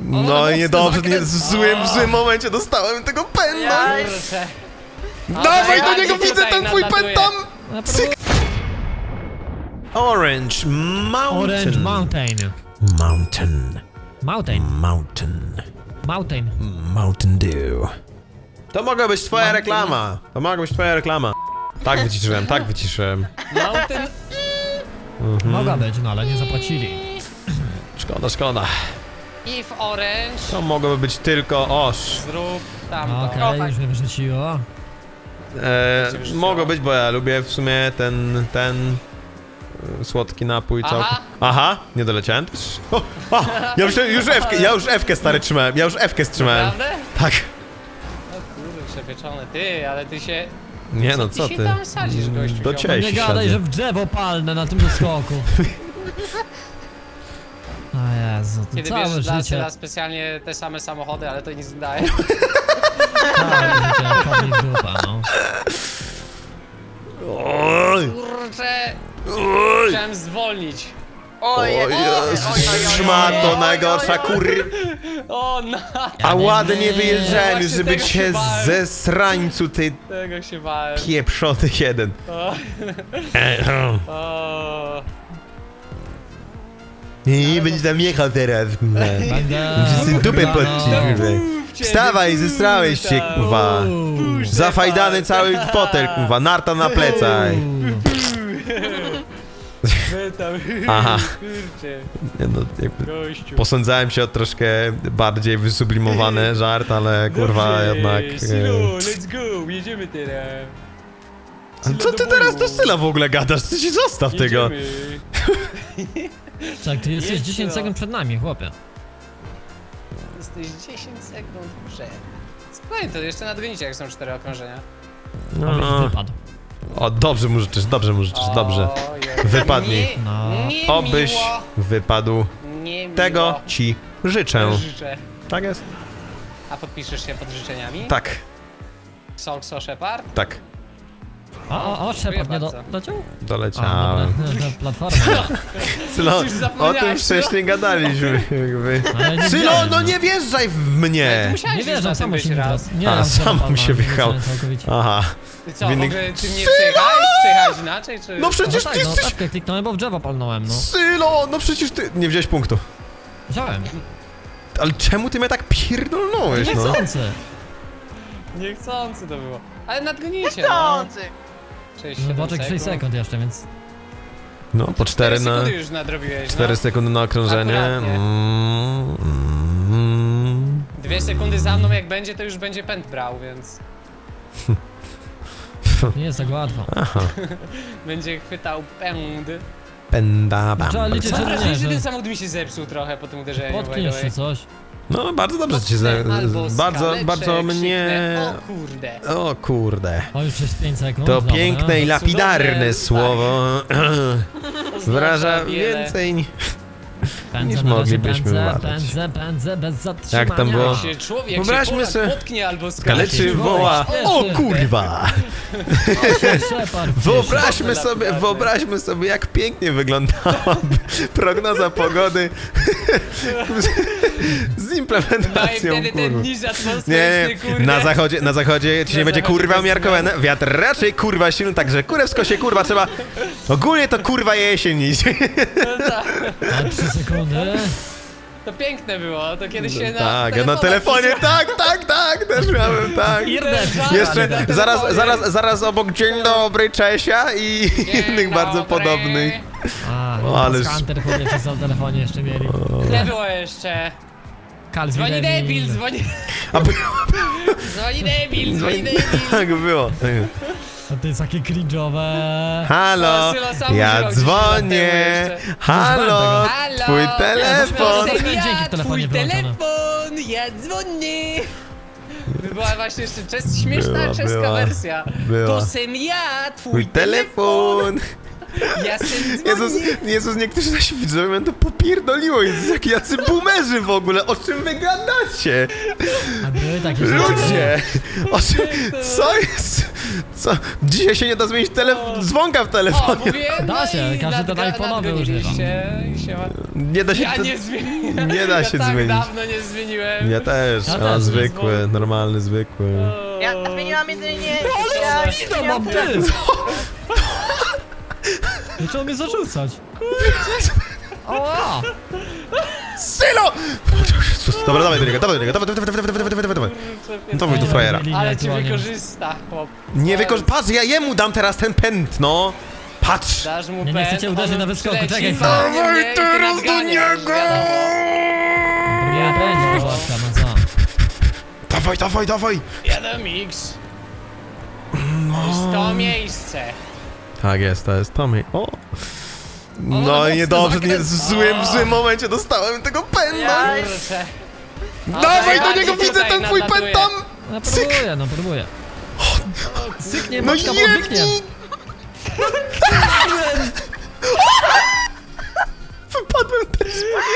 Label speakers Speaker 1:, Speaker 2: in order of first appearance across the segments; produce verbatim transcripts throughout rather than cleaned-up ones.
Speaker 1: No i niedobrze, nie, w, złym, w złym momencie dostałem tego pęda.
Speaker 2: Kurczę.
Speaker 1: Dawaj do niego,
Speaker 2: tutaj
Speaker 1: widzę ten twój pęd
Speaker 2: nadlatuje.
Speaker 1: tam! Cyk. Orange Mountain.
Speaker 3: Orange Mountain.
Speaker 1: Mountain.
Speaker 3: Mountain.
Speaker 1: Mountain.
Speaker 3: Mountain.
Speaker 1: Mountain Dew. To mogła być twoja reklama. To mogła być twoja reklama. Tak wyciszyłem, tak wyciszyłem.
Speaker 2: Mountain.
Speaker 1: Mhm.
Speaker 3: Mogła być, no ale nie zapłacili.
Speaker 1: Szkoda, szkoda.
Speaker 2: If orange.
Speaker 1: To mogłoby być tylko oż.
Speaker 2: Zrób tamto.
Speaker 3: No, Okej, okay, już mnie wyrzuciło.
Speaker 1: E, mogło być, bo ja lubię w sumie ten, ten e, słodki napój
Speaker 2: Aha.
Speaker 1: całkiem. Aha, nie doleciałem też. O, o, ja już, już F-kę, ja już F-kę stary trzymałem, ja już F-kę strzymałem.
Speaker 2: Naprawdę?
Speaker 1: Tak.
Speaker 2: O kurde, przepieczony. Ty, ale ty się...
Speaker 1: Nie no,
Speaker 2: ty
Speaker 1: co
Speaker 2: się
Speaker 1: ty?
Speaker 2: tam sadzisz, gościu,
Speaker 1: Do
Speaker 2: ziomek?
Speaker 1: ciebie
Speaker 3: Nie
Speaker 1: się
Speaker 3: gadaj,
Speaker 1: sadzę.
Speaker 3: że w drzewo palne na tym doskoku. O Jezu, to
Speaker 2: Kiedy
Speaker 3: całe
Speaker 2: bierzesz dla
Speaker 3: życie.
Speaker 2: Syla specjalnie te same samochody, ale to nic nie daje.
Speaker 3: Całe życie kobiet dupa, no.
Speaker 1: Oj,
Speaker 2: Kurczę,
Speaker 1: oj,
Speaker 2: chciałem zwolnić.
Speaker 1: oj, szmato najgorsza kur...
Speaker 2: O, no,
Speaker 1: A ładnie
Speaker 2: nie,
Speaker 1: wyjeżdżałem,
Speaker 2: właśnie
Speaker 1: żeby
Speaker 2: tego
Speaker 1: cię
Speaker 2: się bałem.
Speaker 1: ze srańcu, ty
Speaker 2: tego się bałem.
Speaker 1: pieprzony jeden.
Speaker 2: O, o.
Speaker 1: I będzie tam jechał teraz.
Speaker 3: Będę...
Speaker 1: Wszyscy dupę
Speaker 3: no.
Speaker 1: podciśniemy. Wstawaj, zestrałeś się, kurwa.
Speaker 3: Uuu.
Speaker 1: Zafajdany cały fotel, kurwa, narta na plecach.
Speaker 2: Wy tam,
Speaker 1: Aha.
Speaker 2: kurczę,
Speaker 1: Nie no, jakby
Speaker 2: gościu.
Speaker 1: posądzałem się o troszkę bardziej wysublimowany żart, ale kurwa
Speaker 2: Dobrze,
Speaker 1: jednak...
Speaker 2: Sylu,
Speaker 1: e,
Speaker 2: let's go, jedziemy teraz.
Speaker 1: Ale co ty teraz do Syla w ogóle gadasz? Ty się zostaw tego.
Speaker 2: Jedziemy.
Speaker 3: Czek, ty jesteś
Speaker 2: Jedź,
Speaker 3: dziesięć
Speaker 2: no.
Speaker 3: sekund przed nami, chłopie.
Speaker 2: Jesteś dziesięć sekund przed. Spokojnie, to jeszcze nadgonicie, jak są cztery okrążenia.
Speaker 3: Abyś
Speaker 1: No.
Speaker 3: wypadł.
Speaker 1: O, dobrze mu życzysz, dobrze mu życzysz, dobrze.
Speaker 2: Ojej.
Speaker 1: Wypadnij.
Speaker 2: Nie,
Speaker 3: No.
Speaker 2: nie
Speaker 1: Obyś
Speaker 2: miło,
Speaker 1: wypadł.
Speaker 2: nie miło.
Speaker 1: Tego ci życzę.
Speaker 2: życzę.
Speaker 1: Tak jest?
Speaker 2: A podpiszesz się pod życzeniami?
Speaker 1: Tak,
Speaker 2: Solkso Shepard?
Speaker 1: tak.
Speaker 3: O, o, o, Shepard nie do,
Speaker 2: bardzo.
Speaker 3: dociął? A,
Speaker 1: Doleciałem.
Speaker 3: dobra, do platformy.
Speaker 1: Sylo,
Speaker 2: Coś
Speaker 1: o
Speaker 2: zapomniałeś,
Speaker 1: tym
Speaker 2: Sylo.
Speaker 1: wcześniej gadaliśmy, jakby.
Speaker 3: Ale nie
Speaker 1: Sylo,
Speaker 3: widziałem,
Speaker 1: no nie wjeżdżaj w
Speaker 2: Ale ty
Speaker 1: mnie!
Speaker 2: musiałeś
Speaker 3: Nie
Speaker 2: już na
Speaker 3: wierzę,
Speaker 2: tym
Speaker 3: samo
Speaker 2: być
Speaker 3: się nie
Speaker 2: raz.
Speaker 3: wraz. Nie,
Speaker 1: A,
Speaker 3: ja
Speaker 1: sam
Speaker 3: wziąłem
Speaker 1: się
Speaker 3: palma,
Speaker 1: wjechał.
Speaker 3: wyrzucałem całkowicie.
Speaker 1: Aha.
Speaker 2: Ty co, w
Speaker 1: Winny-
Speaker 2: ogóle ty mnie przejechałeś? Przejechałeś inaczej, czy...
Speaker 1: No przecież
Speaker 3: No
Speaker 1: ty
Speaker 3: tak, no
Speaker 1: jesteś...
Speaker 3: F-kę kliknąłem, bo w drzewo palnąłem, no.
Speaker 1: Sylo, no przecież ty... Nie wziąłeś punktu.
Speaker 3: Wziąłem.
Speaker 1: Ale czemu ty mnie tak pierdolnąłeś, no?
Speaker 3: Niechcący.
Speaker 2: Niechcący to było. Ale nadgonicie, no.
Speaker 4: Chcący!
Speaker 2: sześć,
Speaker 3: No
Speaker 2: siedem
Speaker 3: boczek sześć sekund jeszcze, więc...
Speaker 1: No, po cztery na...
Speaker 2: sekundy już nadrobiłeś,
Speaker 1: cztery
Speaker 2: no.
Speaker 1: sekundy na okrążenie.
Speaker 2: Akuratnie.
Speaker 1: Mm, mm.
Speaker 2: Dwie sekundy za mną jak będzie, to już będzie pęd brał, więc...
Speaker 3: Nie jest tak łatwo.
Speaker 1: Aha.
Speaker 2: Będzie chwytał pęd.
Speaker 1: Penda bam.
Speaker 3: Trzeba liczyć,
Speaker 2: Mam
Speaker 3: że
Speaker 2: wrażenie,
Speaker 3: nie,
Speaker 2: że
Speaker 3: że
Speaker 2: ten samochód mi się zepsuł trochę po tym uderzeniu. by the
Speaker 3: potkniesz
Speaker 2: way.
Speaker 3: czy coś.
Speaker 1: No, bardzo dobrze ci za...
Speaker 2: Albo
Speaker 1: Bardzo,
Speaker 2: skaleczę,
Speaker 1: bardzo mnie...
Speaker 2: krzyknę, o kurde.
Speaker 1: O kurde.
Speaker 3: O, już jest pięć sekund.
Speaker 1: To
Speaker 3: dobra.
Speaker 1: piękne i lapidarne
Speaker 2: Cudowne,
Speaker 1: słowo. Wyraża
Speaker 2: wiele.
Speaker 1: więcej ni-
Speaker 3: Pędzę
Speaker 1: niż
Speaker 3: na razie,
Speaker 1: moglibyśmy
Speaker 3: pędzę,
Speaker 1: uważać.
Speaker 3: pędzę, pędzę, bez zatrzymania.
Speaker 1: Jak tam było?
Speaker 2: Jak się człowiek, jak
Speaker 1: Wyobraźmy
Speaker 2: się Polak
Speaker 1: sobie-
Speaker 2: potknie albo skaleczy.
Speaker 1: Kaleczy woła. O kurwa!
Speaker 3: Shepard.
Speaker 1: Wyobraźmy
Speaker 2: Cudowne
Speaker 1: sobie,
Speaker 2: lapidarne.
Speaker 1: wyobraźmy sobie, jak pięknie wyglądałaby prognoza pogody z
Speaker 2: No i
Speaker 1: implementacją,
Speaker 2: wtedy ten
Speaker 1: kurwa.
Speaker 2: niż
Speaker 1: Nie,
Speaker 2: atmosferyczny,
Speaker 1: nie,
Speaker 2: kurde.
Speaker 1: na zachodzie, na zachodzie ci
Speaker 2: Na
Speaker 1: nie będzie
Speaker 2: zachodzie
Speaker 1: kurwa
Speaker 2: bez
Speaker 1: umiarkowane, wiatr raczej kurwa silny, także kurewsko się kurwa trzeba, ogólnie to kurwa jesień iść.
Speaker 2: No tak.
Speaker 3: A trzy sekundy.
Speaker 2: To piękne było, to kiedyś się na
Speaker 1: Tak, ja na telefonie, tak, tak, tak, też miałem, tak.
Speaker 3: Irdę,
Speaker 1: Jeszcze
Speaker 2: na
Speaker 1: zaraz,
Speaker 2: telefonie.
Speaker 1: zaraz, zaraz obok Dzień Dobry, Czesia i
Speaker 2: Dzień
Speaker 1: innych bardzo
Speaker 2: dobry.
Speaker 1: podobnych.
Speaker 3: A,
Speaker 1: O,
Speaker 3: no
Speaker 1: ale-
Speaker 3: ale... Hunter chłopie przez na telefonie jeszcze mieli.
Speaker 2: Nie było jeszcze.
Speaker 3: Calvin
Speaker 2: Dzwoni
Speaker 3: Devil.
Speaker 2: debil, dzwoni...
Speaker 1: A by...
Speaker 2: Dzwoni debil, dzwoni debil.
Speaker 1: Tak było.
Speaker 3: A to jest takie cringe'owe.
Speaker 1: Halo,
Speaker 2: O, Sylo sam
Speaker 1: ja
Speaker 2: używał gdzieś
Speaker 1: dzwonię.
Speaker 2: lat temu
Speaker 1: Halo,
Speaker 2: Halo.
Speaker 1: twój
Speaker 3: Nie,
Speaker 1: telefon.
Speaker 3: zaśmiałem się.
Speaker 2: Ja,
Speaker 3: Dźwięki w telefonie
Speaker 2: twój
Speaker 3: wyłączone.
Speaker 2: telefon, ja dzwonię. Była właśnie jeszcze czes, śmieszna
Speaker 1: Była,
Speaker 2: czeska
Speaker 1: była.
Speaker 2: wersja.
Speaker 1: Była.
Speaker 2: To sem ja, twój,
Speaker 1: Twój telefon.
Speaker 2: Ja sobie
Speaker 1: Jezus,
Speaker 2: dzwonię.
Speaker 1: Jezus, niektórzy nasi widzowie mnie to popierdoliło. Jezus, jak jacy boomerzy w ogóle, o czym wy gadacie?
Speaker 3: A były takie rzeczy.
Speaker 1: Ludzie! O czym, co jest? Co? Dzisiaj się nie da zmienić telefon, dzwonka w
Speaker 2: O,
Speaker 1: telefonie.
Speaker 2: mówiłem,
Speaker 3: Da się,
Speaker 2: no i
Speaker 3: każdy ten
Speaker 2: nadga-
Speaker 3: iPhone'owy
Speaker 2: nadgoniliście i się ma...
Speaker 1: Nie da się...
Speaker 2: Ja
Speaker 1: to-
Speaker 2: nie zmieniłem.
Speaker 1: nie da
Speaker 2: ja
Speaker 1: się
Speaker 2: tak
Speaker 1: zmienić.
Speaker 2: dawno nie zmieniłem.
Speaker 1: Ja też,
Speaker 3: Ja
Speaker 1: a
Speaker 3: też.
Speaker 1: zwykły, normalny, zwykły.
Speaker 2: O.
Speaker 4: Ja zmieniłam jedynie...
Speaker 3: Ale zwido mam, ty! Zaczął mnie zarzucać. Ała!
Speaker 1: Sylo! Dobra, dawaj do niego, dawaj do niego, dawaj, dawaj, dawaj, dawaj, dawaj, dawaj, dawaj. No to wyjdź do frajera.
Speaker 2: Ale cię wykorzysta, chłop.
Speaker 1: Nie wykorz... Patrz, ja jemu dam teraz ten pęd, no! Patrz!
Speaker 2: Dasz mu
Speaker 3: Nie, nie
Speaker 2: pęd,
Speaker 3: chcecie uderzyć
Speaker 2: on
Speaker 3: na wyskoku,
Speaker 2: przyleci,
Speaker 3: czekaj
Speaker 2: walnie
Speaker 1: chwilę.
Speaker 2: mnie i ty
Speaker 1: Dawaj teraz do
Speaker 2: nadganiasz,
Speaker 1: niego!
Speaker 2: wiadomo.
Speaker 3: Nie będzie do łapka, no co?
Speaker 1: Dawaj, dawaj, dawaj!
Speaker 2: Jadę mix. To jest to miejsce.
Speaker 1: Tak jest, to jest Tommy. O! No
Speaker 2: mocno
Speaker 1: i niedobrze, nie, w
Speaker 2: zakręca.
Speaker 1: złym, w złym momencie dostałem tego pęda!
Speaker 4: Ja-
Speaker 2: Kurczę.
Speaker 1: Dawaj do
Speaker 2: bardziej
Speaker 1: niego, widzę
Speaker 2: tutaj
Speaker 1: ten twój
Speaker 2: nadlatuje.
Speaker 1: pęd tam!
Speaker 3: No próbuję, no próbuję. Syknie,
Speaker 1: No
Speaker 3: boczka, bo odwyknie.
Speaker 1: jedni! Wypadłem też!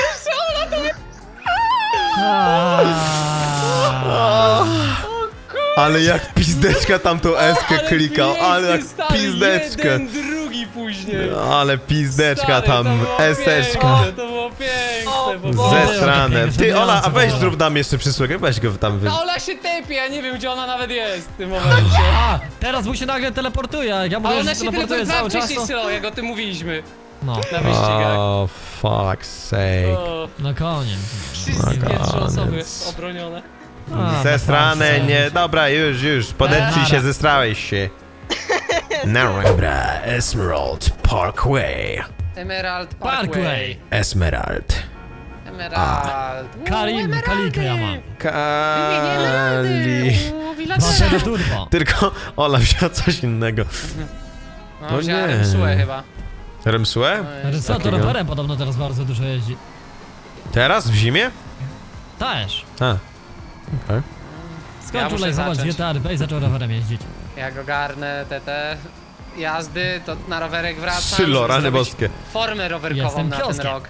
Speaker 3: Aaaa.
Speaker 1: Ale jak pizdeczka tam tą eskę
Speaker 2: Ale
Speaker 1: klikał, ale jak
Speaker 2: piękny, stary,
Speaker 1: pizdeczkę!
Speaker 2: jeden, drugi później.
Speaker 1: Ale pizdeczka
Speaker 2: Stary,
Speaker 1: tam,
Speaker 2: to było
Speaker 1: eseczka.
Speaker 2: piękne, To było piękne. po
Speaker 4: Boże.
Speaker 2: prostu.
Speaker 1: Zesrane. Ty,
Speaker 3: Piękne,
Speaker 1: Ola, a weź
Speaker 3: piękne.
Speaker 1: zrób nam jeszcze przysługę, weź go tam wy...
Speaker 2: Ta Ola się tepie, ja nie wiem gdzie ona nawet jest w tym momencie.
Speaker 3: A, teraz mu się nagle teleportuje, jak ja
Speaker 2: A
Speaker 3: mówię,
Speaker 2: ona
Speaker 3: że
Speaker 2: się
Speaker 3: teleportuje
Speaker 2: teleportowała
Speaker 3: cały czas,
Speaker 2: wcześniej
Speaker 3: to...
Speaker 2: Sylo, jak o tym mówiliśmy
Speaker 3: No,
Speaker 2: na wyścigach.
Speaker 1: Oh, fuck's sake.
Speaker 2: O,
Speaker 3: no koniec.
Speaker 2: wszystkie trzy
Speaker 1: koniec.
Speaker 2: osoby obronione.
Speaker 3: A,
Speaker 1: Zesrane,
Speaker 3: tak,
Speaker 1: nie, dobra, już, już, podepcij się,
Speaker 3: Dobra.
Speaker 1: zestrałeś się. No, dobra, Emerald Parkway.
Speaker 2: Emerald Parkway.
Speaker 3: Parkway.
Speaker 1: Emerald.
Speaker 2: Emerald. Uuu,
Speaker 3: Karim,
Speaker 2: emeraldy.
Speaker 3: Kalikę ja mam.
Speaker 2: Wymienię emeraldy.
Speaker 1: Kali.
Speaker 2: Uuu,
Speaker 3: Dwa
Speaker 2: villagera.
Speaker 3: zero turbo.
Speaker 1: Tylko Ola wzięła coś innego.
Speaker 2: No,
Speaker 1: No
Speaker 2: wziąłem
Speaker 1: nie.
Speaker 2: Remsue chyba.
Speaker 1: Remsue?
Speaker 2: No, jest
Speaker 3: Co, to
Speaker 1: Takiego?
Speaker 3: rowerem podobno teraz bardzo dużo jeździ.
Speaker 1: Teraz, w zimie?
Speaker 3: Też.
Speaker 1: A. Okej.
Speaker 3: Skąd
Speaker 2: Ja muszę
Speaker 3: tutaj zobacz,
Speaker 2: zacząć.
Speaker 3: G T R P i zaczął rowerem jeździć.
Speaker 2: Jak ogarnę te te jazdy, to na rowerek wracam.
Speaker 1: Sylo,
Speaker 2: żeby
Speaker 1: rany
Speaker 2: zrobić
Speaker 1: boskie.
Speaker 2: Formę rowerkową
Speaker 3: Jestem
Speaker 2: na ten
Speaker 3: kioskiem.
Speaker 2: rok.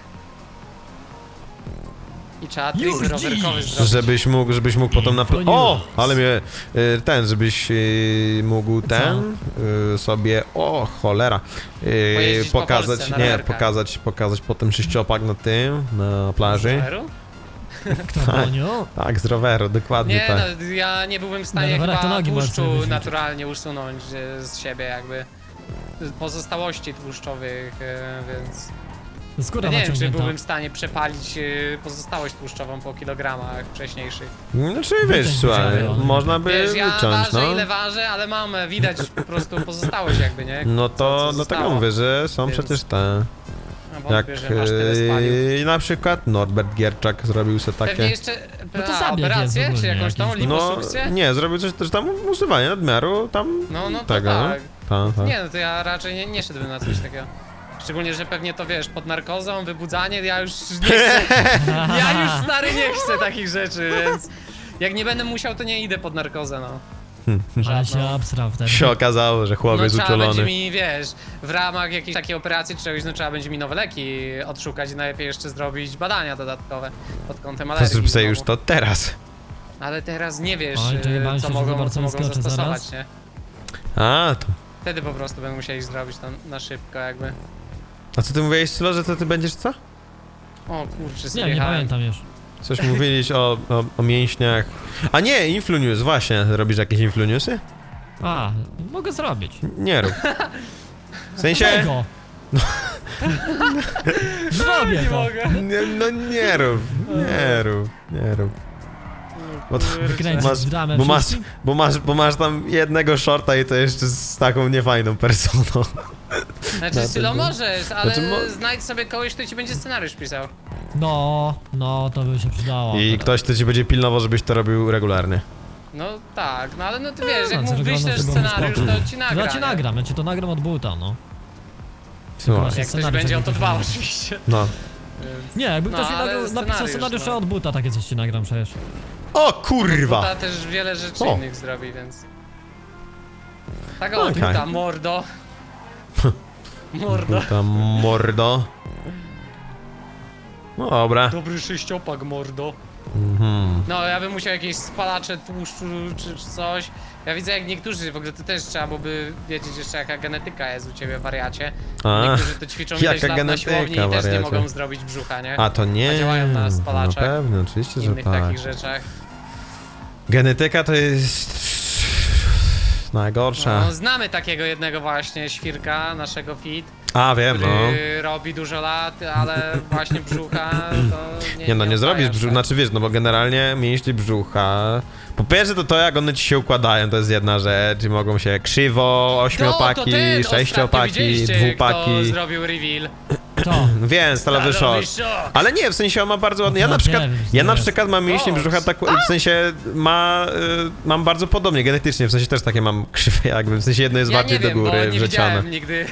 Speaker 2: I trzeba
Speaker 3: Już
Speaker 2: trik rowerkowy
Speaker 3: dziś.
Speaker 2: zrobić.
Speaker 1: Żebyś mógł, żebyś mógł potem na...
Speaker 3: Info
Speaker 1: O!
Speaker 3: News.
Speaker 1: Ale mnie... y, Ten, żebyś y, mógł ten y, sobie... O, cholera. y,
Speaker 2: Pojeździć po
Speaker 1: Pokazać,
Speaker 2: Polsce na
Speaker 1: nie,
Speaker 2: rowerkach.
Speaker 1: pokazać, pokazać potem sześciopak na tym, na plaży.
Speaker 2: Roweru?
Speaker 3: Kto Boniu?
Speaker 1: Tak, z roweru, dokładnie
Speaker 2: Nie,
Speaker 1: tak.
Speaker 2: no, ja nie byłbym w stanie
Speaker 3: Na rowerach to
Speaker 2: chyba
Speaker 3: nogi możesz sobie
Speaker 2: tłuszczu
Speaker 3: wyrzucić.
Speaker 2: naturalnie usunąć e, z siebie jakby. Pozostałości tłuszczowych, e, więc...
Speaker 3: Skóra
Speaker 2: Ja nie wiem, czy
Speaker 3: naciągnięta.
Speaker 2: byłbym w stanie przepalić e, pozostałość tłuszczową po kilogramach wcześniejszych.
Speaker 1: Znaczy, wiesz,
Speaker 3: Wyciąć
Speaker 1: słuchaj,
Speaker 3: wyciągnę.
Speaker 1: można by
Speaker 2: Wiesz, ja
Speaker 1: wyciąć,
Speaker 2: ważę
Speaker 1: no.
Speaker 2: ile ważę, ale mam, e, widać po prostu pozostałość jakby, nie?
Speaker 1: No
Speaker 2: Co-
Speaker 1: to,
Speaker 2: co
Speaker 1: dlatego
Speaker 2: zostało.
Speaker 1: mówię, że są
Speaker 2: Więc
Speaker 1: przecież te...
Speaker 2: No,
Speaker 1: Jak
Speaker 2: wątpię, że masz tyle spalił.
Speaker 1: yy, na przykład Norbert Gierczak zrobił sobie
Speaker 2: Pewnie
Speaker 1: takie...
Speaker 2: jeszcze
Speaker 3: No to
Speaker 2: a,
Speaker 3: zabieg jest
Speaker 2: operację, czy
Speaker 3: ogólnie
Speaker 2: jakąś tą
Speaker 3: jakiś.
Speaker 1: No,
Speaker 2: liposukcję?
Speaker 1: nie, zrobił coś też tam usuwanie nadmiaru, tam...
Speaker 2: No, no to
Speaker 1: tego,
Speaker 2: tak.
Speaker 1: Ta, ta.
Speaker 2: Nie, no to ja raczej nie, nie szedłbym na coś takiego. Szczególnie, że pewnie to wiesz, pod narkozą, wybudzanie, ja już nie chcę. Ja już stary nie chcę takich rzeczy, więc jak nie będę musiał, to nie idę pod narkozę, no.
Speaker 3: Ale się
Speaker 2: żadną.
Speaker 3: abstrał wtedy.
Speaker 1: Się okazało, że
Speaker 2: No
Speaker 1: chłopiec
Speaker 2: trzeba będzie
Speaker 1: uczulony.
Speaker 2: mi, wiesz, w ramach jakiejś takiej operacji czy czegoś, no trzeba będzie mi nowe leki odszukać i najlepiej jeszcze zrobić badania dodatkowe pod kątem
Speaker 1: To
Speaker 2: alergii.
Speaker 1: zrób sobie
Speaker 2: znowu.
Speaker 1: już to teraz.
Speaker 2: Ale teraz nie wiesz,
Speaker 3: Oj, to
Speaker 2: y,
Speaker 3: jebałem
Speaker 2: co
Speaker 3: się, że
Speaker 2: mogą,
Speaker 3: zobacz,
Speaker 2: co
Speaker 3: co
Speaker 2: mogą
Speaker 3: wyskoczy
Speaker 2: zastosować,
Speaker 3: zaraz.
Speaker 2: nie?
Speaker 1: A, to...
Speaker 2: Wtedy po prostu będę musieli zrobić to na szybko jakby.
Speaker 1: A co ty mówiłeś, Sylo, że to ty będziesz co?
Speaker 2: O kurczę,
Speaker 3: Nie, nie
Speaker 2: zjechałem.
Speaker 3: pamiętam już.
Speaker 1: Coś mówiliś o, o, o mięśniach. A nie, Influnews, właśnie. Robisz jakieś Influnewsy?
Speaker 3: A, mogę zrobić.
Speaker 1: Nie rób. W sensie...
Speaker 3: Tego! Zrobię
Speaker 2: Nie
Speaker 3: to!
Speaker 2: mogę.
Speaker 1: Nie, no nie rób, nie rób, nie rób. Bo, to,
Speaker 3: Wykręcić
Speaker 1: masz,
Speaker 3: dramę
Speaker 1: bo, masz,
Speaker 3: wszystkim?
Speaker 1: bo, masz, bo masz tam jednego shorta i to jeszcze z taką niefajną personą.
Speaker 2: Znaczy,
Speaker 1: Na
Speaker 2: Sylo,
Speaker 1: pewno.
Speaker 2: możesz, ale
Speaker 1: Znaczy, mo-
Speaker 2: znajdź sobie kogoś, kto ci będzie scenariusz pisał.
Speaker 3: No, no, to by się przydało.
Speaker 1: I ktoś, kto ci będzie pilnował, żebyś to robił regularnie.
Speaker 2: No tak, no ale no ty wiesz, jak
Speaker 3: No,
Speaker 2: mu
Speaker 3: co wygląda
Speaker 2: wyślesz
Speaker 3: to było
Speaker 2: scenariusz,
Speaker 3: spoko.
Speaker 2: to ci nagra.
Speaker 3: Ja ci
Speaker 2: nie?
Speaker 3: nagram, ja ci to nagram od buta, no.
Speaker 1: Słuchaj.
Speaker 3: Właśnie
Speaker 2: Jak ktoś
Speaker 3: scenariusz
Speaker 2: będzie o
Speaker 3: jakiś
Speaker 2: to dbał
Speaker 3: będzie.
Speaker 2: oczywiście.
Speaker 1: No.
Speaker 2: Więc...
Speaker 3: Nie, jakby
Speaker 2: No,
Speaker 3: ktoś mi
Speaker 2: ale
Speaker 3: nagrał, napisał
Speaker 2: scenariusz,
Speaker 3: scenariusza
Speaker 2: no.
Speaker 3: od buta, takie coś ci nagram przecież.
Speaker 1: O kurwa!
Speaker 2: Ta też wiele rzeczy
Speaker 1: O.
Speaker 2: innych zrobi, więc... Tak o,
Speaker 1: Okej.
Speaker 2: okay. mordo. Mordo.
Speaker 1: Tam mordo. No dobra.
Speaker 2: Dobry sześciopak, mordo.
Speaker 1: Mhm.
Speaker 2: No, ja bym musiał jakieś spalacze tłuszczu czy, czy coś. Ja widzę jak niektórzy, w ogóle to też trzeba byłoby wiedzieć jeszcze jaka genetyka jest u ciebie, wariacie.
Speaker 1: A,
Speaker 2: Niektórzy to ćwiczą
Speaker 1: jaka
Speaker 2: ileś lat na
Speaker 1: genetyka,
Speaker 2: siłowni i też nie
Speaker 1: wariacie.
Speaker 2: mogą zrobić brzucha, nie?
Speaker 1: A to nie.
Speaker 2: A działają na spalaczach.
Speaker 1: Na pewno, oczywiście,
Speaker 2: W
Speaker 1: że
Speaker 2: innych
Speaker 1: tak.
Speaker 2: takich rzeczach.
Speaker 1: Genetyka to jest najgorsza.
Speaker 2: No, znamy takiego jednego właśnie świrka, naszego fit,
Speaker 1: A wiem, no.
Speaker 2: który robi dużo lat, ale właśnie brzucha to nie
Speaker 1: Nie no, nie zrobisz
Speaker 2: oddaje
Speaker 1: brzucha,
Speaker 2: tak.
Speaker 1: znaczy wiesz, no bo generalnie mięśnie brzucha. Po pierwsze to to jak one ci się układają, to jest jedna rzecz i mogą się krzywo, ośmiopaki,
Speaker 2: No, to ten ostatnio
Speaker 1: sześciopaki,
Speaker 2: widzieliście,
Speaker 1: dwupaki.
Speaker 2: kto zrobił reveal.
Speaker 3: To.
Speaker 1: Wiem, stalowy szok. Ale nie, w sensie on ma bardzo ładny. Ja na
Speaker 3: No,
Speaker 1: przykład,
Speaker 3: wiem,
Speaker 1: ja na
Speaker 3: jest.
Speaker 1: przykład mam mięśnie
Speaker 2: O,
Speaker 1: brzucha tak, w sensie ma, y, mam bardzo podobnie genetycznie, w sensie też takie mam krzywe jakby, w sensie jedno jest
Speaker 2: Ja
Speaker 1: bardziej
Speaker 2: nie
Speaker 1: do
Speaker 2: wiem, bo
Speaker 1: góry
Speaker 2: nie
Speaker 1: wrzecione.
Speaker 2: widziałem nigdy.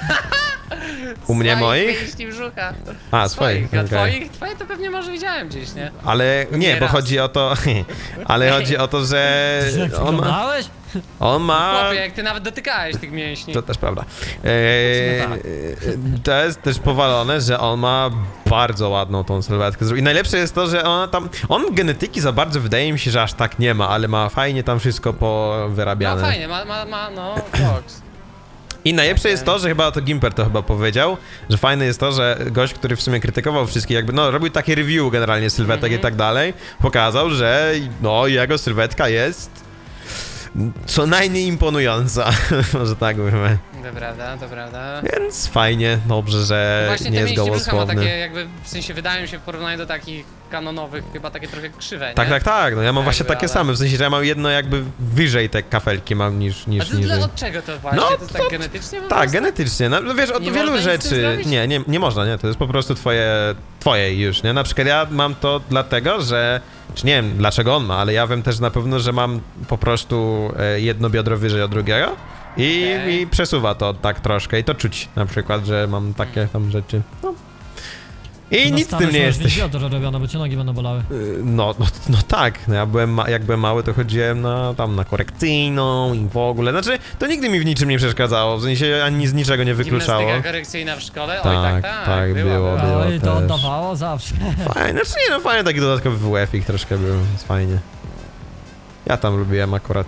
Speaker 1: U mnie
Speaker 2: Swoich
Speaker 1: moich?
Speaker 2: mięśni brzucha.
Speaker 1: A, swoich,
Speaker 2: A
Speaker 1: okej.
Speaker 2: twoich? Twoje to pewnie może widziałem gdzieś, nie?
Speaker 1: Ale nie,
Speaker 2: Nie
Speaker 1: bo
Speaker 2: raz.
Speaker 1: chodzi o to, ale chodzi o to, że
Speaker 3: Jak
Speaker 1: on ma,
Speaker 3: wyglądałeś?
Speaker 1: on ma
Speaker 2: Chłopie, jak ty nawet dotykałeś tych mięśni.
Speaker 1: To też prawda. Eee,
Speaker 3: tak.
Speaker 1: to jest też powalone, że on ma bardzo ładną tą sylwetkę. I najlepsze jest to, że ona tam. On genetyki za bardzo wydaje mi się, że aż tak nie ma, ale ma fajnie tam wszystko
Speaker 2: No
Speaker 1: powyrabiane.
Speaker 2: fajnie, ma, ma, ma no, box.
Speaker 1: I najlepsze jest to, że chyba to Gimper to chyba powiedział, że fajne jest to, że gość, który w sumie krytykował wszystkich, jakby no robił takie review generalnie sylwetek
Speaker 2: Mhm.
Speaker 1: i tak dalej, pokazał, że no jego sylwetka jest co najmniej imponująca, może tak mówimy.
Speaker 2: To prawda, to prawda.
Speaker 1: Więc fajnie, dobrze, że
Speaker 2: Właśnie
Speaker 1: nie
Speaker 2: te
Speaker 1: jest
Speaker 2: mięśnie brzucha ma
Speaker 1: gołosłowny.
Speaker 2: takie jakby, w sensie wydają mi się w porównaniu do takich kanonowych, chyba takie trochę krzywe, nie?
Speaker 1: Tak, tak, tak, no ja mam
Speaker 2: Jakby,
Speaker 1: właśnie takie
Speaker 2: ale-
Speaker 1: same, w sensie, że ja mam jedno jakby wyżej te kafelki mam niż,
Speaker 2: A
Speaker 1: niż
Speaker 2: to
Speaker 1: niżej.
Speaker 2: dla, od czego to właśnie?
Speaker 1: No,
Speaker 2: to jest tak
Speaker 1: to-
Speaker 2: genetycznie po
Speaker 1: Tak,
Speaker 2: prostu?
Speaker 1: genetycznie, no no wiesz, od
Speaker 2: Nie
Speaker 1: wielu
Speaker 2: można nic z tym
Speaker 1: rzeczy,
Speaker 2: zrobić?
Speaker 1: nie, nie, nie można, nie, to jest po prostu twoje, twoje już, nie, na przykład ja mam to dlatego, że, czy nie wiem dlaczego on ma, ale ja wiem też na pewno, że mam po prostu e, jedno biodro wyżej od drugiego i,
Speaker 2: Okej.
Speaker 1: i przesuwa to tak troszkę i to czuć na przykład, że mam takie tam rzeczy, no. I
Speaker 3: To na
Speaker 1: nic z
Speaker 3: stałe
Speaker 1: tym nie
Speaker 3: masz
Speaker 1: jesteś.
Speaker 3: biodro robione, bo cię nogi będą bolały.
Speaker 1: Y, No, no, no tak, no ja byłem, ma, jak byłem mały, to chodziłem na, tam na korekcyjną i w ogóle, znaczy, to nigdy mi w niczym nie przeszkadzało, w sensie ani z niczego nie wykluczało.
Speaker 2: Gimnastyka korekcyjna w szkole? Oj, tak,
Speaker 1: Tak,
Speaker 2: tak,
Speaker 1: tak,
Speaker 2: była,
Speaker 1: było,
Speaker 2: była.
Speaker 1: było.
Speaker 3: Oj, to
Speaker 1: też.
Speaker 3: oddawało zawsze.
Speaker 1: Fajnie, znaczy nie no, fajnie, taki dodatkowy W F-ik troszkę był, jest fajnie. Ja tam lubiłem akurat.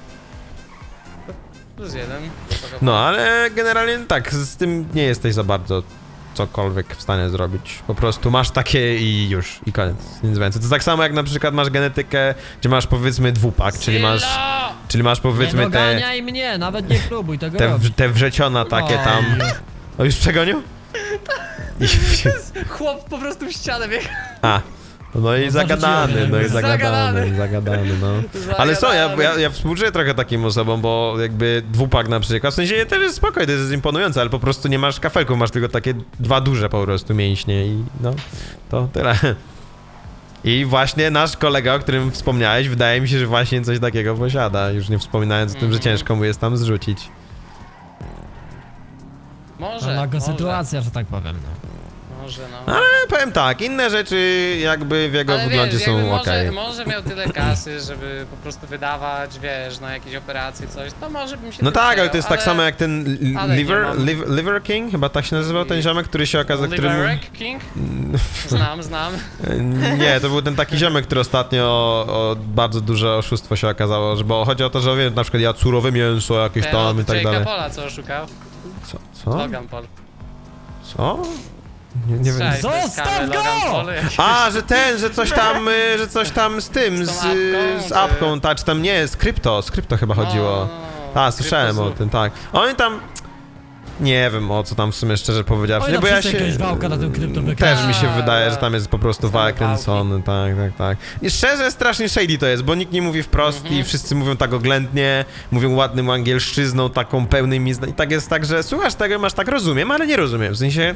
Speaker 2: Plus jeden.
Speaker 1: No, ale generalnie tak, z tym nie jesteś za bardzo cokolwiek w stanie zrobić. Po prostu masz takie i już, i koniec, nic więcej. To tak samo jak na przykład masz genetykę, gdzie masz powiedzmy dwupak, czyli masz,
Speaker 2: Sylo!
Speaker 1: czyli masz
Speaker 3: Nie
Speaker 1: powiedzmy te,
Speaker 3: doganiaj mnie, nawet nie próbuj tego
Speaker 1: te,
Speaker 3: robić.
Speaker 1: w- te wrzeciona takie
Speaker 3: Oj.
Speaker 1: tam. O, już przegonił? I,
Speaker 2: Chłop po prostu w ścianę biegł.
Speaker 1: a, no i
Speaker 3: No,
Speaker 1: zagadany,
Speaker 3: zarzuciłem,
Speaker 1: no i
Speaker 3: jakby.
Speaker 1: zagadany,
Speaker 2: Zagadany.
Speaker 1: zagadany, no. Ale co, ja, ja, ja współczuję trochę takim osobom, bo jakby dwupak na przykład, w sensie też jest spokojny, to jest imponujące, ale po prostu nie masz kafelków, masz tylko takie dwa duże po prostu mięśnie i no, to tyle. I właśnie nasz kolega, o którym wspomniałeś, wydaje mi się, że właśnie coś takiego posiada, już nie wspominając o tym, że
Speaker 2: Mhm.
Speaker 1: ciężko mu jest tam zrzucić.
Speaker 2: Może,
Speaker 3: Nago
Speaker 2: może,
Speaker 3: sytuacja, że tak powiem. No.
Speaker 2: może no.
Speaker 1: Ale powiem tak, inne rzeczy jakby w jego
Speaker 2: Ale
Speaker 1: wyglądzie
Speaker 2: wiesz,
Speaker 1: są
Speaker 2: jakby
Speaker 1: okej.
Speaker 2: może, może miał tyle kasy, żeby po prostu wydawać, wiesz, na jakieś operacje, coś, to może bym się
Speaker 1: No
Speaker 2: tym
Speaker 1: tak, ale
Speaker 2: przejął,
Speaker 1: to jest tak samo jak ten li-
Speaker 2: ale nie
Speaker 1: Liver,
Speaker 2: mam.
Speaker 1: Liv- Liver King, chyba tak się nazywał ten ziomek, który się okazał, który...
Speaker 2: Liverek King? Znam, znam.
Speaker 1: Nie, to był ten taki ziomek, który ostatnio o, bardzo duże oszustwo się okazało, że bo chodzi o to, że wiem, na przykład ja surowe mięso jakieś
Speaker 2: Ten
Speaker 1: tam i
Speaker 2: od
Speaker 1: tak
Speaker 2: Jake'a
Speaker 1: dalej.
Speaker 2: Paula, co oszukał?
Speaker 1: Co? Co?
Speaker 2: Logan Paul.
Speaker 1: Co? Nie, nie wiem.
Speaker 2: Cześć, to jest
Speaker 3: Zostaw
Speaker 2: kamer
Speaker 3: go!
Speaker 2: Logan Paul, jakiś-
Speaker 1: A, że ten, że coś tam, y, że coś tam z tym,
Speaker 2: Z
Speaker 1: z,
Speaker 2: tą apką,
Speaker 1: z
Speaker 2: czy-
Speaker 1: apką, tak, czy tam nie, z krypto, z krypto chyba chodziło.
Speaker 2: No, no, no,
Speaker 1: A, słyszałem o
Speaker 2: Kryptozu.
Speaker 1: tym, tak. Oni tam... Nie wiem o co tam w sumie szczerze powiedziawszy,
Speaker 3: Oj,
Speaker 1: nie,
Speaker 3: no
Speaker 1: bo ja
Speaker 3: wszyscy
Speaker 1: się...
Speaker 3: jakiegoś wałka na tym krypto
Speaker 1: Też
Speaker 3: wykręca.
Speaker 1: mi się
Speaker 2: Tak,
Speaker 1: wydaje, że
Speaker 2: tak.
Speaker 1: tam jest po prostu
Speaker 2: Same
Speaker 1: wal
Speaker 2: wałki.
Speaker 1: kręcony, tak, tak, tak. I szczerze strasznie shady to jest, bo nikt nie mówi wprost
Speaker 2: Mhm.
Speaker 1: i wszyscy mówią tak oględnie, mówią ładnym angielszczyzną, taką pełnymi zna... I tak jest tak, że słuchasz tego i masz tak rozumiem, ale nie rozumiem, w sensie...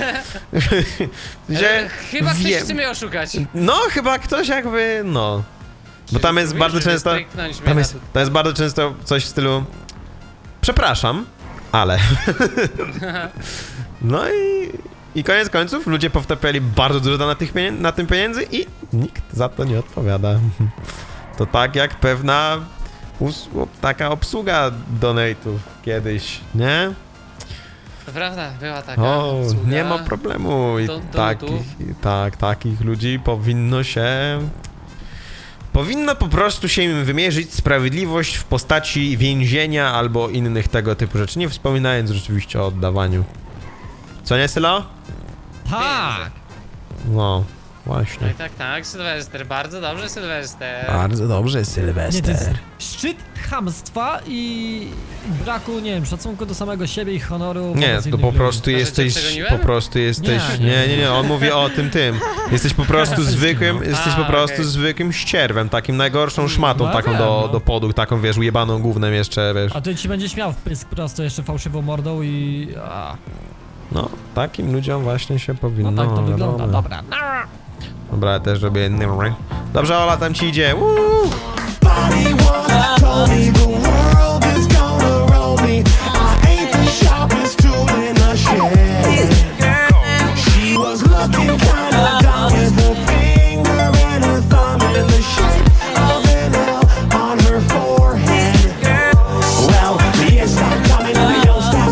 Speaker 1: w sensie
Speaker 2: E, Chyba ktoś
Speaker 1: wiem.
Speaker 2: chce mnie oszukać.
Speaker 1: No, chyba ktoś jakby, no... Bo tam jest
Speaker 2: Mówisz,
Speaker 1: bardzo
Speaker 2: żeby
Speaker 1: często...
Speaker 2: stryknąć mnie
Speaker 1: Tam
Speaker 2: na
Speaker 1: jest,
Speaker 2: to.
Speaker 1: tam jest bardzo często coś w stylu... Przepraszam, ale... No i... I koniec końców ludzie powtapiali bardzo dużo na, tych pienię- na tym pieniędzy i nikt za to nie odpowiada. To tak jak pewna us- taka obsługa donate'ów kiedyś, nie?
Speaker 2: To prawda, była taka
Speaker 1: O,
Speaker 2: obsługa.
Speaker 1: nie ma problemu. I
Speaker 2: Do- do
Speaker 1: takich,
Speaker 2: lutów.
Speaker 1: i tak, takich ludzi powinno się... Powinno po prostu się im wymierzyć sprawiedliwość w postaci więzienia albo innych tego typu rzeczy, nie wspominając rzeczywiście o oddawaniu. Co nie, Sylo?
Speaker 3: Tak!
Speaker 1: No,
Speaker 2: No
Speaker 1: właśnie.
Speaker 2: i tak, tak, Sylwester, bardzo dobrze, Sylwester.
Speaker 1: Bardzo dobrze,
Speaker 3: Nie, to
Speaker 1: Sylwester.
Speaker 3: jest szczyt chamstwa i braku, nie wiem, szacunku do samego siebie i honoru.
Speaker 1: Nie,
Speaker 3: wobec
Speaker 1: to
Speaker 3: innych
Speaker 1: po
Speaker 3: ludzi.
Speaker 1: prostu
Speaker 2: To, że cię
Speaker 1: jesteś,
Speaker 2: przegoniłem?
Speaker 1: po prostu jesteś,
Speaker 3: Nie,
Speaker 1: nie,
Speaker 3: nie.
Speaker 1: nie, nie, on mówi o tym, tym. Jesteś po prostu zwykłym,
Speaker 3: no.
Speaker 1: jesteś
Speaker 2: A,
Speaker 1: po prostu
Speaker 2: okej.
Speaker 1: zwykłym ścierwem, takim najgorszą szmatą,
Speaker 3: No
Speaker 1: taką
Speaker 3: wiem,
Speaker 1: do,
Speaker 3: no.
Speaker 1: do podu, taką, wiesz, ujebaną gównem jeszcze, wiesz.
Speaker 3: A ty ci będziesz miał w pysk prosto jeszcze fałszywą mordą i... A,
Speaker 1: No, takim ludziom właśnie się powinno,
Speaker 3: no tak to wygląda,
Speaker 1: wiadomo.
Speaker 3: dobra.
Speaker 1: Dobra, ja też robię... Dobrze, Ola, tam ci idzie. Uuu!
Speaker 4: Bobby was told me